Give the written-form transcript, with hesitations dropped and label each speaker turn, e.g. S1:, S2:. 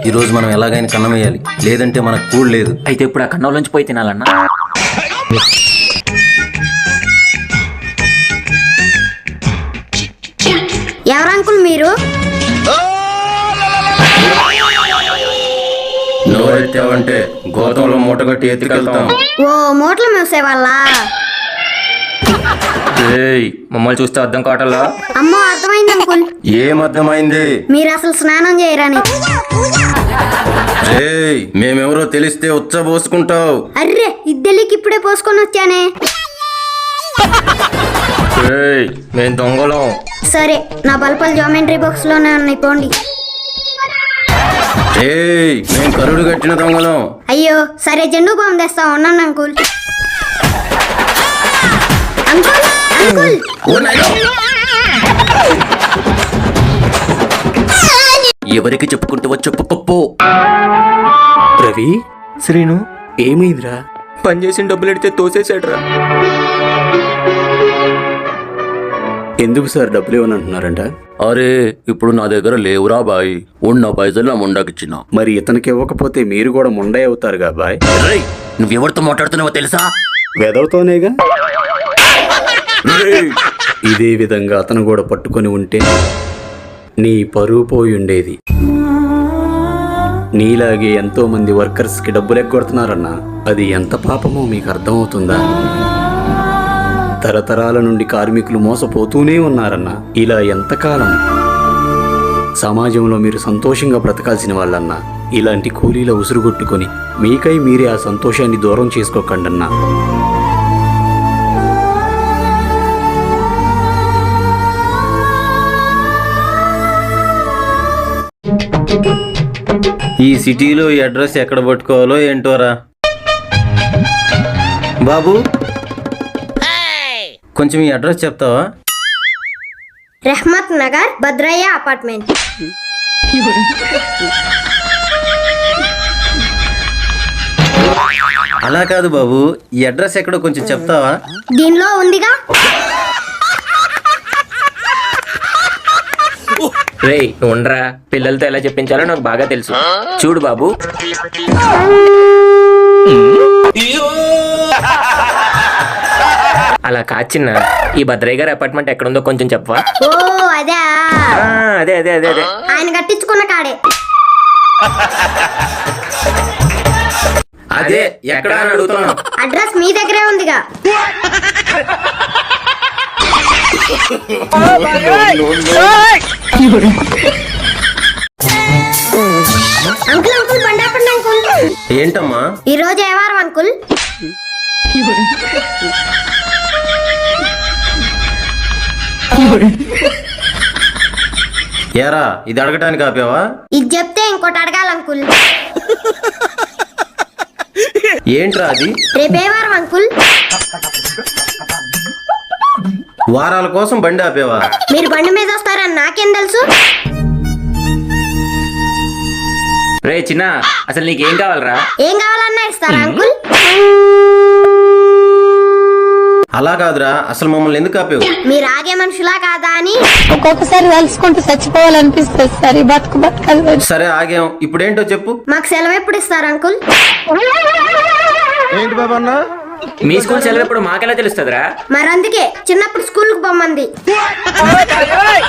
S1: ఈరోజు మనం ఎలాగైనా కన్నం వేయాలి, లేదంటే మనకు కూడు లేదు.
S2: అయితే ఇప్పుడు ఆ కన్నంలోంచి పోయి తినాలన్నా.
S3: ఎవరు అంకుల్ మీరు?
S1: నోరెత్తావంటే గోతంలో మూట కట్టి ఎత్తుకెళ్తాం.
S3: ఓ మూటలు మూసే వాళ్ళ?
S2: మమ్మల్ని చూస్తే అర్థం కావటంలా?
S3: అమ్మో అర్థమైంది అంకుల్.
S1: ఏం అర్థమైంది?
S3: మీరు అసలు స్నానం చేయరని.
S1: మేమెవరో తెలిస్తే ఉచ్చబోసుకుంటావు.
S3: అర్రే ఇద్దెలికి ఇప్పుడే పోసుకొని వచ్చానే.
S2: మేము దొంగలం.
S3: సరే నా బల్పలు జామెంట్రీ బాక్స్ లోనే ఉన్నాయి, పోండి.
S1: మేము కరుడు కట్టిన దొంగలం.
S3: అయ్యో సరే జెండు బాంబు తెస్తా ఉన్నాను అంకుల్. అంకుల్ అంకుల్
S2: ఎవరికి చెప్పుకుంటూ వచ్చి పప్పు.
S4: రవి,
S2: శ్రీను
S4: ఏమైందిరా?
S2: పని చేసిన డబ్బులు ఎడితే తోసేసాడురా.
S4: ఎందుకు సార్ డబ్బులు ఇవ్వని అంటున్నారంట?
S1: అరే ఇప్పుడు నా దగ్గర లేవురా బాయ్, ఉన్న పైసలు నా ముండాకిచ్చిన.
S4: మరి ఇతనికి ఇవ్వకపోతే మీరు కూడా ముండే అవుతారుగా బాయ్.
S1: నువ్వెవరితో మాట్లాడుతున్నావో తెలుసా?
S4: వెదవుతోనేగా. ఇదే విధంగా అతను కూడా పట్టుకొని ఉంటే నీ పరువు పోయి ఉండేది. నీలాగే ఎంతో మంది వర్కర్స్ కి డబ్బులు ఎగ్గొడుతున్నారన్నా, అది ఎంత పాపమో మీకు అర్థమవుతుందా? తరతరాల నుండి కార్మికులు మోసపోతూనే ఉన్నారన్నా. ఇలా ఎంతకాలం సమాజంలో మీరు సంతోషంగా బ్రతకాల్సిన వాళ్ళన్నా, ఇలాంటి కూలీల ఉసురుగొట్టుకొని మీకై మీరే ఆ సంతోషాన్ని దూరం చేసుకోకండన్నా.
S1: ఈ సిటీలో ఈ అడ్రస్ ఎక్కడ పట్టుకోవాలో ఏంటోరా. బాబు కొంచెం ఈ అడ్రస్ చెప్తావా?
S3: రెహ్మత్ నగర్ భద్రయ్య అపార్ట్మెంట్.
S1: అలా కాదు బాబు, ఈ అడ్రస్ ఎక్కడో కొంచెం చెప్తావా?
S3: దీనిలో ఉందిగా.
S2: రేయ్ నువ్వు ఉండరా, పిల్లలతో ఎలా చెప్పించాలో నాకు బాగా తెలుసు. చూడు బాబు, అలా కాచిన్న ఈ భద్రయ్య గారి అపార్ట్మెంట్ ఎక్కడుందో కొంచెం చెప్పవా?
S3: ఓ అదే
S2: అదే అదే అదే అదే
S3: ఆయన కట్టించుకున్న కాడే.
S1: అదే ఎక్కడ అని అడుగుతున్నా.
S3: అడ్రస్ మీ దగ్గరే ఉందిగా. అంకుల్ అంకుల్ బండి ఆపండి అంకుల్.
S1: ఏంటమ్మా?
S3: ఈ రోజు ఏ వారం అంకుల్?
S1: ఏరా ఇది అడగటానికి ఆపావా?
S3: ఇది చెప్తే ఇంకోటి అడగాలి అంకుల్.
S1: ఏంట్రా అది?
S3: రేపే వారం అంకుల్?
S1: వారాల కోసం బండి ఆపేవా?
S3: మీరు బండి మీద వస్తారని నాకేం తెలుసు?
S2: రే చిన్న, అసలు నీకేం కావాలరా?
S3: ఏం కావాలన్నా ఇస్తారా అంకుల్?
S1: అలా కాదురా, అసలు మమ్మల్ని ఎందుకు ఆపేవు?
S3: మీరు ఆగే మనుషులా కాదా అని.
S5: ఒక్కొక్కసారి తలుచుకుంటూ చచ్చిపోవాలనిపిస్తుంది సార్. ఈ బతుకు బతకాలి.
S1: సరే ఆగాం, ఇప్పుడేంటో చెప్పు.
S3: మాకు సెలవు ఎప్పుడు ఇస్తారు అంకుల్?
S1: ఏంటి బాబా అన్న?
S2: మీ స్కూల్ సెలవు ఎప్పుడు మాకెలా తెలుస్తుందిరా?
S3: మరి అందుకే చిన్నప్పుడు స్కూల్ కు పొమ్మంది.